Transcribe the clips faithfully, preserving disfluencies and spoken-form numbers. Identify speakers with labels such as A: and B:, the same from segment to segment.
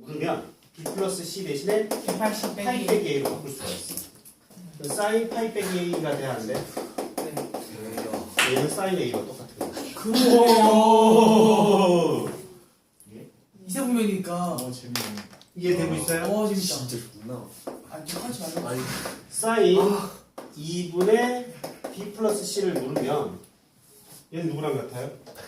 A: 물으면 b 플러스 c 대신에
B: 백팔십
A: 파이
B: 빼기
A: 빼기 a로 바꿀 수가 있어. 사인 파이 빼기 a가 돼야 하는데
B: 네.
A: 얘는 사인 a와 똑같은 거야.
B: 그거
A: 예?
B: 이세 분면이니까
C: 어 재밌네.
A: 이해되고 있어요?
B: 어 재밌다.
C: 진짜 좋구나.
B: 아 좀 하지 말고.
C: 아니
A: 사인 이분의 b 플러스 c를 물으면 얘는 누구랑 같아요?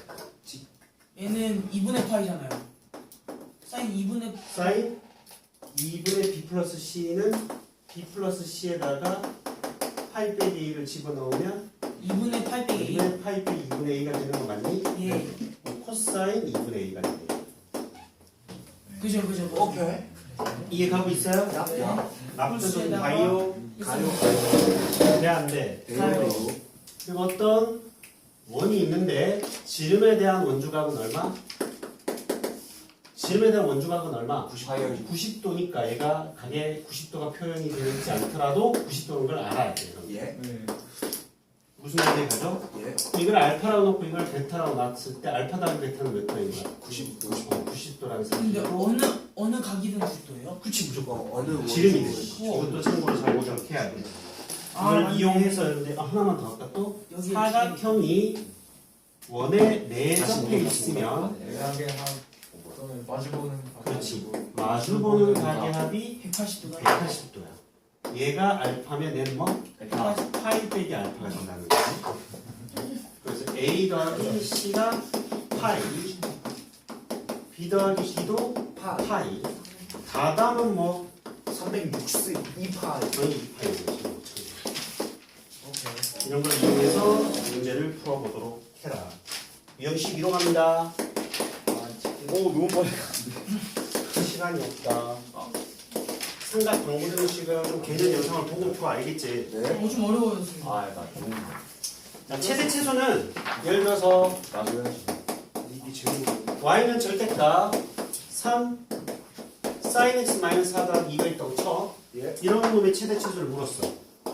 B: 얘는 이분의 파이잖아요. 사인 이분의
A: 사인 이분의 b 플러스 c는 b 플러스 c에다가 파이 빼기 a를 집어넣으면
B: 이분의 파이 빼기
A: 이분의 파이 빼기 이분의 a가 되는 거 맞니?
B: 예.
A: 코사인 이분의 a가 되네.
B: 그죠 그죠. 그죠.
C: 오케이.
A: 이해가고 있어요?
B: 네.
A: 납두든
B: 플러스에다가
A: 가요
B: 가요.
A: 돼 안 돼?
B: 가요.
A: 그리고 어떤 원이 있는데 지름에 대한 원주각은 얼마? 지름에 대한 원주각은 얼마?
C: 구십.
A: 구십 도니까 얘가 각에 구십 도가 표현이 되지 않더라도 구십 도인 걸 알아야 돼요.
C: 예.
D: 네.
A: 무슨 말인가죠?
C: 예.
A: 이걸 알파라고 놓고 이걸 베타라고 놨을 때 알파 더하기 베타는 몇 도인 거야?
C: 구십 도.
A: 어, 구십 도라는
B: 근데
A: 생각.
B: 어느 어느 각이든 구십도예요?
A: 그치 무조건
C: 어, 어느
A: 지름이 돼.
C: 원주를-
A: 이것도 참고로 잘 기억해야 돼.
B: 아,
A: 이걸
B: 맞네.
A: 이용해서 근데 아, 하나만 더 할까 또?
B: 여기
A: 사각형이 원의 내접해 있으면
D: 대각의 합 또는 마주보는 각의
A: 그렇지.
D: 합이고.
A: 마주보는 각의 합이
B: 백팔십 도가
A: 백팔십 도야. 얘가 알파면 얘는 뭐?
B: 백팔십.
A: 파이 빼기 알파가 된다는 거지. 그래서 A 더하기 C가 파이, B 더하기 D도
C: 파.
A: 파이. 다담은 뭐?
C: 삼백육십이 파.
A: 거의 이 파이거지.
C: 오케이.
A: 이런 걸 이용해서 문제를 풀어보도록 해라. 유형식 이로 갑니다.
C: 오 너무 빨리.
A: 시간이 없다. 삼각 방문 형식은 좀 개념 영상을 보고 풀어 알겠지?
C: 네.
B: 어, 좀 어려워요 선생님.
D: 아, 나 좀.
A: 자, 최대 최소는 예를 들어서
D: 나도 해야지.
C: 이게 제일.
A: y는 절대값 삼 sin x 마이너스 사 더하기 이가 있다고 쳐.
C: 예.
A: 이런 놈의 최대 최소를 물었어.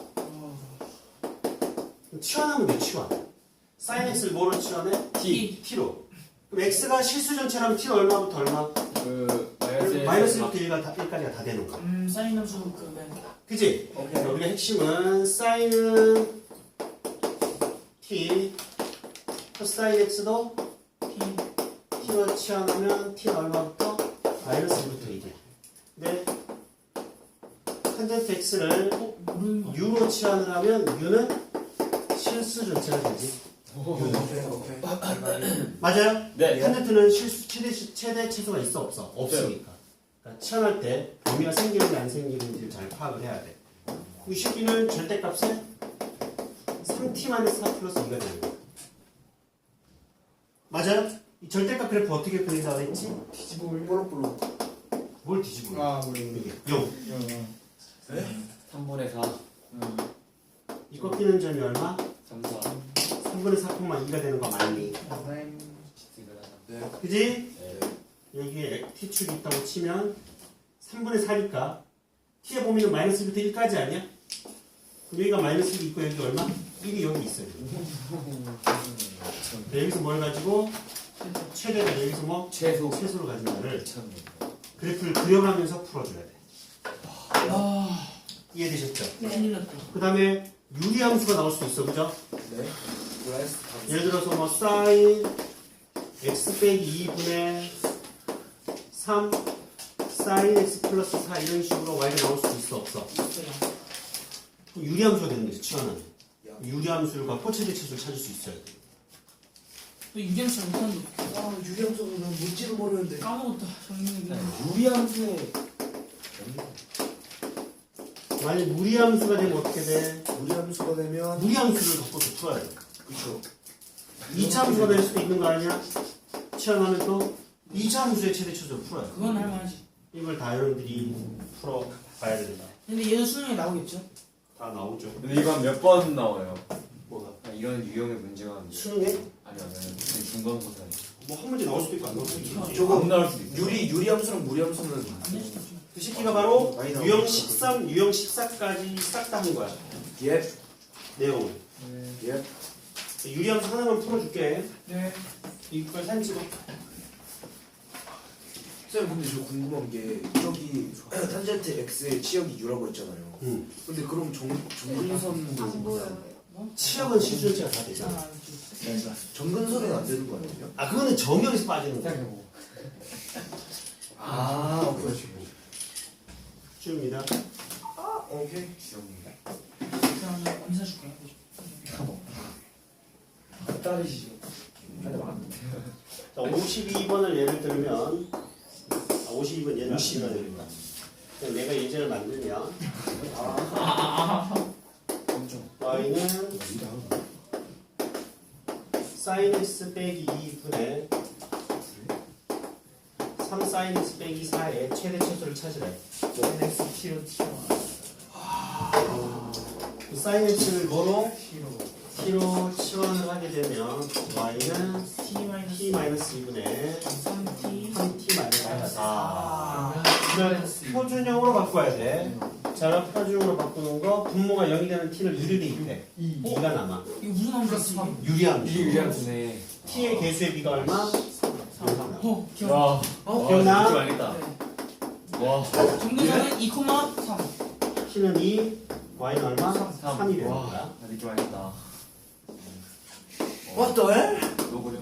A: 치환하면 돼, 치환. sin x를 뭐로 치환해?
B: T.
A: t로. 그럼 x가 실수 전체라면 t는 얼마부터 얼마?
D: 그 마이너스
A: 마이너스부터 일가 다, 일까지가 다 되는 거야.
B: 음 사인 함수 그러면
A: 그지?
C: 오케이.
A: 우리가 핵심은 사인은 t, 코사인 x도
B: T
A: t로 치환하면 t는 얼마부터? 마이너스부터 이게. 근데 탄젠트 x를
B: 어 모르는 거.
A: u로 치환을 하면 u는 실수 전체가 되지.
C: 오케이 오케이.
A: 맞아요?
D: 네.
A: 탄젠트는 실수 최대 최대 최소가 있어 없어? 없으니까. 그러니까 치환할 때 범위가 생기는지 안 생기는지를 잘 파악을 해야 돼. 이 식기는 절대값에 삼 티 마이너스 사 플러스 이가 되는 거야. 맞아요? 이 절대값 그래프 어떻게 그린다고 했지?
C: 뒤집어 볼록볼록.
A: 뭘 뒤집어?
D: 아, 우리
A: 이게 영.
D: 삼분의 사. 응.
A: 이 꺾이는 점이 얼마?
D: 삼, 사.
A: 삼분의 사 콤마 이가 되는 거 맞니?
C: 네.
A: 그지?
D: 네.
A: 여기에 t축이 있다고 치면 삼분의 사니까 t의 범위는 마이너스부터 일까지 아니야? 그럼 여기가 마이너스 일 있고 여기 얼마? 일이 여기 있어요. 네, 여기서 뭘 가지고 최대가 여기서 뭐
D: 최소.
A: 최소로 가진 거를
D: 미쳤네.
A: 그래프를 그려가면서 풀어줘야 돼.
B: 아
A: 이해되셨죠?
B: 큰일 났다.
A: 그 다음에 유리함수가 나올 수도 있어, 그죠?
C: 네. 플러스.
A: 예를 들어서 뭐 사인 x 빼기 이분의 삼 사인 x 플러스 사 이런 식으로 y가 나올 수도 있어, 없어?
B: 있어요.
A: 그럼 유리함수가 되는 거지, 치환하면. 유리함수를 갖고 최대 최소를 찾을 수 있어야 돼.
B: 또 유리함수 못하는 거
C: 아 유리함수는 뭔지도 모르는데.
B: 까먹었다. 정민이 그냥.
C: 유리함수에
A: 만약 무리함수가 되면 어떻게 돼?
C: 유리함수가 되면.
A: 무리함수를 갖고서 풀어야 돼.
C: 그렇죠.
A: 이 차 함수가 될 수도 있는 거 아니야? 치환하면 또 이 차 함수의 최대 최소를 풀어야 돼.
B: 그건 할만하지.
A: 이걸 다 여러분들이 풀어봐야 된다.
B: 근데 얘도 수능에 나오겠죠?
A: 다 나오죠.
D: 근데 이건 몇 번 나와요?
A: 뭐가?
D: 아, 이런 유형의 문제가
A: 수능에?
D: 아니면 중간고사.
A: 뭐 한 문제 나올 수도 있고 안 나올 수도 있지.
C: 저거
D: 안 나올 수도 있어.
C: 유리 유리함수랑 무리함수는
B: 안 될 수도 있죠.
A: 그 새끼가 바로
C: 많이 나오죠.
A: 유형 십삼, 유형 십사까지 싹 다 한 거야.
C: 예.
A: 내용을.
C: 예.
A: 유리함수 하나만 풀어줄게.
B: 네.
A: 이걸 사진 찍어.
C: 쌤 근데 저 궁금한 게 저기 탄젠트 x의 치역이 u라고 했잖아요.
A: 음.
C: 근데 그럼 정 정근선
E: 안 보여요.
A: 치역은 실수요체가 다
B: 아,
A: 되잖아.
B: 알지.
C: 정근선은 안 되는 거 아니에요?
A: 아 그거는 정형에서 빠지는 거야.
C: 아 오케이.
A: 줍니다.
C: 아 오케이.
B: 그냥 인사 줄까?
C: 딸이시죠.
A: 자, 오십이 번을 예를 들면 아, 오십이 번 예를 들면 그냥 내가 예제를 만들면 y는 sin x 빼기 이 분의 삼 sin x 빼기 사의 최대 최소를 찾으래.
B: 넥스 티로 티로
A: sin x를 뭐로? t로 치환을 하게 되면 y는
B: T 마이너스
A: t 마이너스 이 분의
B: 삼 티
A: 삼 티 마이너스 사.
B: 아
A: 이걸 표준형으로 바꿔야 돼. 자, 표준형으로 바꾸는 거 분모가 영이 되는 t를 이를 대입해. 이가 남아.
B: 이거 무슨 함수지?
A: 유리함수.
D: 유리함수네.
A: t의 개수의 비가 얼마?
B: 어 기억
D: 와.
B: 어?
A: 기억나?
D: 느낌 알겠다.
B: 네.
D: 와.
B: 정근선은 이 콤마 삼
A: t는 이, y는 얼마? 삼이 되는
D: 와.
A: 거야.
D: 나 느낌 알겠다.
C: What the hell?
D: 노그려.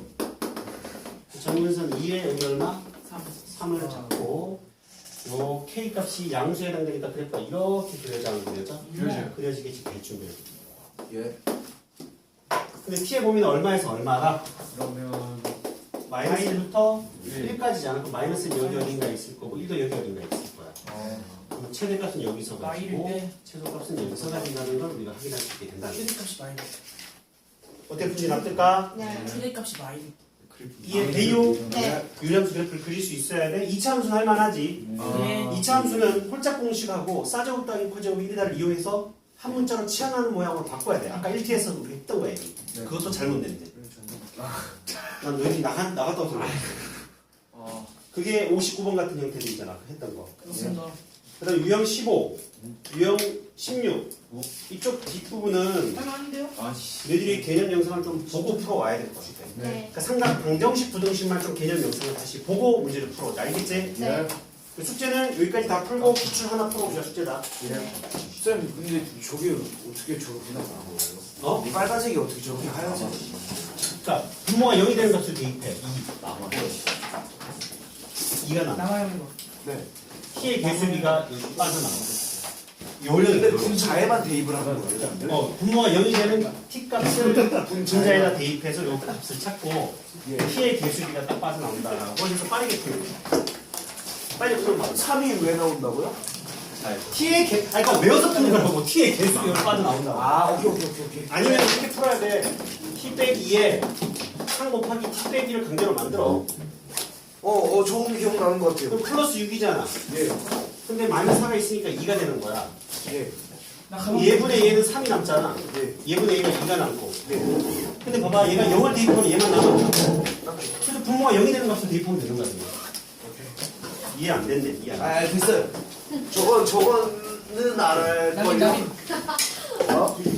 A: 정근선 이의 여기 얼마?
B: 삼
A: 삼을 잡고 요 k 값이 양수에 해당되니까 그래프가 이렇게 그려져 안 그려져?
D: 그려져요.
A: 그려지겠지 대충 그려.
C: 예.
A: 근데 t의 범위는 얼마에서 얼마가?
D: 그러면
A: 마이너스 일부터
D: 일.
A: 일까지잖아. 그럼 마이너스는 여기 어딘가 있을 거고 일도 여기 어딘가 있을 거야.
D: 어.
A: 그럼 최대값은 여기서 가지고
B: 마이를 때
A: 최소값은 여기서 가진다는 걸 우리가 확인할 수 있게 된다.
B: 최대값이 마이너스
A: 어때 풀지 납득까?
E: 네.
B: 최대값이 마이너스
A: 이해 돼요?
E: 네.
A: 유리함수 그래프를 그릴 수 있어야 돼. 이 차 함수는 할만하지.
B: 네.
A: 이 차 함수는 홀짝 공식하고 싸제곱 따윈 코제곱 일이다를 이용해서 한 문자로 치환하는 모양으로 바꿔야 돼. 아까 일 티에서 우리 했던 거야. 이미.
D: 네.
A: 그것도 잘못됐대. 난 왠지 나가, 나갔다고 생각해.
D: 아.
A: 그게 오십구 번 같은 형태들이잖아. 그 했던 거.
B: 그렇습니다
A: 그 다음 유형 십오, 유형 십육. 이쪽 뒷부분은
B: 할만한데요?
D: 아씨.
A: 너희들이 개념 영상을 좀 보고 풀어와야 될 것 같아.
E: 네.
A: 그러니까 상당 방정식, 부등식만 좀 개념 영상을 다시 보고 문제를 풀어오자. 알겠지?
E: 네.
A: 그 숙제는 여기까지 다 풀고 기출 하나 풀어보자. 숙제다.
C: 쌤 근데 저게 어떻게 저렇게 나온 거예요?
A: 어?
C: 빨간색이 어떻게 저렇게 하얀색?
A: 그러니까 분모가 영이 되는 값을 대입해. 이. 이가 남아.
B: 남아요 이거
C: 네.
A: t의 개수비가 여기 빠져나와.
C: 근데
A: 요령이
C: 분자에만 대입을 하는 거예요?
A: 어, 분모가 영이 되는 t 값을 분자에다 대입해서 요 값을 찾고
C: 예.
A: t의 개수비가 딱 빠져나온다라고 해서 빠르게 풀고 빨리 풀어봐.
C: 삼이 왜 나온다고요?
A: t의 개, 아니 그러니까 외워서 푸는 거라고 t의 개수비가 빠져나온다고.
C: 아 오케이 오케이 오케이 오케이.
A: 아니면 이렇게 풀어야 돼. t 빼기 이에 삼 곱하기 t 빼기를 강제로 만들어.
C: 어어 저건 기억나는 것 같아요.
A: 그럼 플러스 육이잖아.
C: 예.
A: 근데 마이너스 사가 있으니까 이가 되는 거야.
C: 예.
B: 나
A: 그럼
B: 가방
A: 얘분의 얘는 삼이 남잖아.
C: 예.
A: 얘분의 얘가 이가 남고.
C: 네.
A: 근데 봐봐, 얘가 영을 대입하면 얘만 남아. 그래서 분모가 영이 되는 값을 대입하면 되는 거야. 이해 안 된대, 이해 안 돼.
C: 아 됐어요. 저건 저거는 알아야
B: 나린 나린
C: 어?